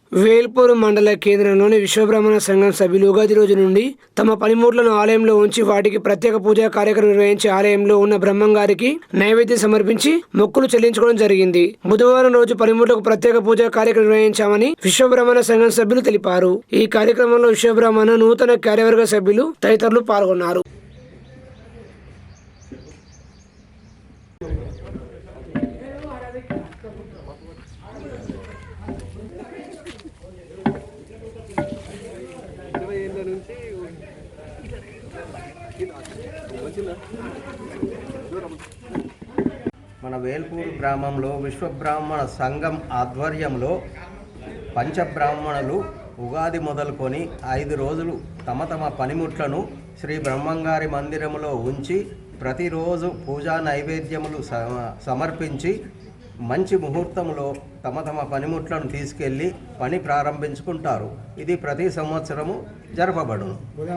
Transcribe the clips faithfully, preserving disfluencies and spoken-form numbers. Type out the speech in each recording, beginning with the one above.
వేల్పూర్ మండల కేంద్రంలోని విశ్వబ్రాహ్మణ సంఘం సభ్యులు ఉగాది రోజు నుండి తమ పనిముట్లను ఆలయంలో ఉంచి వాటికి ప్రత్యేక పూజా కార్యక్రమం నిర్వహించి ఆలయంలో ఉన్న బ్రహ్మంగారికి నైవేద్యం సమర్పించి మొక్కులు చెల్లించుకోవడం జరిగింది. బుధవారం రోజు పనిముట్లకు ప్రత్యేక పూజా కార్యక్రమం నిర్వహించామని విశ్వబ్రాహ్మణ సంఘం సభ్యులు తెలిపారు. ఈ కార్యక్రమంలో విశ్వబ్రాహ్మణ నూతన కార్యవర్గ సభ్యులు తదితరులు పాల్గొన్నారు. మన వేల్పూరు గ్రామంలో విశ్వబ్రాహ్మణ సంఘం ఆధ్వర్యంలో పంచబ్రాహ్మణులు ఉగాది మొదలుకొని ఐదు రోజులు తమ తమ పనిముట్లను శ్రీ బ్రహ్మంగారి మందిరంలో ఉంచి ప్రతిరోజు పూజా నైవేద్యములు సమర్పించి మంచి ముహూర్తంలో తమ తమ పనిముట్లను తీసుకెళ్ళి పని ప్రారంభించుకుంటారు. ఇది ప్రతి సంవత్సరము జరపబడును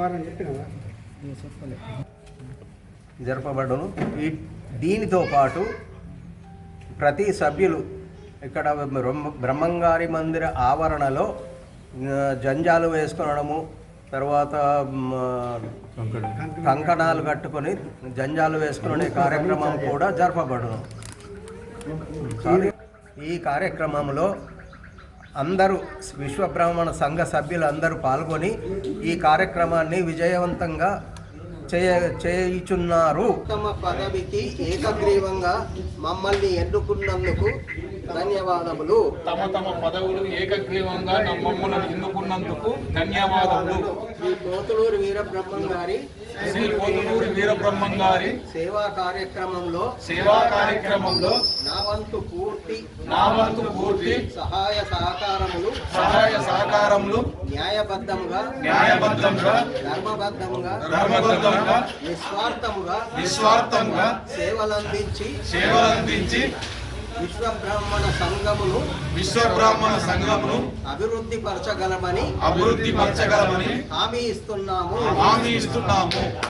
జరపబడును ఈ దీనితో పాటు ప్రతి సభ్యులు ఇక్కడ బ్రహ్మంగారి మందిర ఆవరణలో జంజాలు వేసుకొనడము, తర్వాత కంకణాలు కట్టుకొని జంజాలు వేసుకునే కార్యక్రమం కూడా జరపబడును. ఈ కార్యక్రమంలో అందరూ విశ్వబ్రాహ్మణ సంఘ సభ్యులు అందరూ పాల్గొని ఈ కార్యక్రమాన్ని విజయవంతంగా చేయ చేయుచున్నారు. తమ పదవికి ఏకగ్రీవంగా మమ్మల్ని ఎన్నుకున్నందుకు ధన్యవాదములు. తమ తమ పదవులు ఏకగ్రీవంగా మమ్మల్ని ఎన్నుకున్నందుకు ధన్యవాదములు. శ్రీ పోతులూరు వీరబ్రహ్మం గారి శ్రీ పోతులూరు వీరబ్రహ్మం గారి సేవా కార్యక్రమంలో సేవా కార్యక్రమంలో నా వంతు పూర్తి నా వంతు పూర్తి సహాయ సహకారములు సహాయ సహకారములు న్యాయబద్ధంగా న్యాయబద్ధంగా ధర్మబద్ధంగా ధర్మబద్ధంగా నిస్వార్థముగా నిస్వార్థంగా సేవలందించి సేవలందించి విశ్వబ్రాహ్మణ సంఘమును విశ్వబ్రాహ్మణ సంఘమును అభివృద్ధి పరచగలమని అభివృద్ధి పరచగలమని హామీ ఇస్తున్నాము హామీ ఇస్తున్నాము.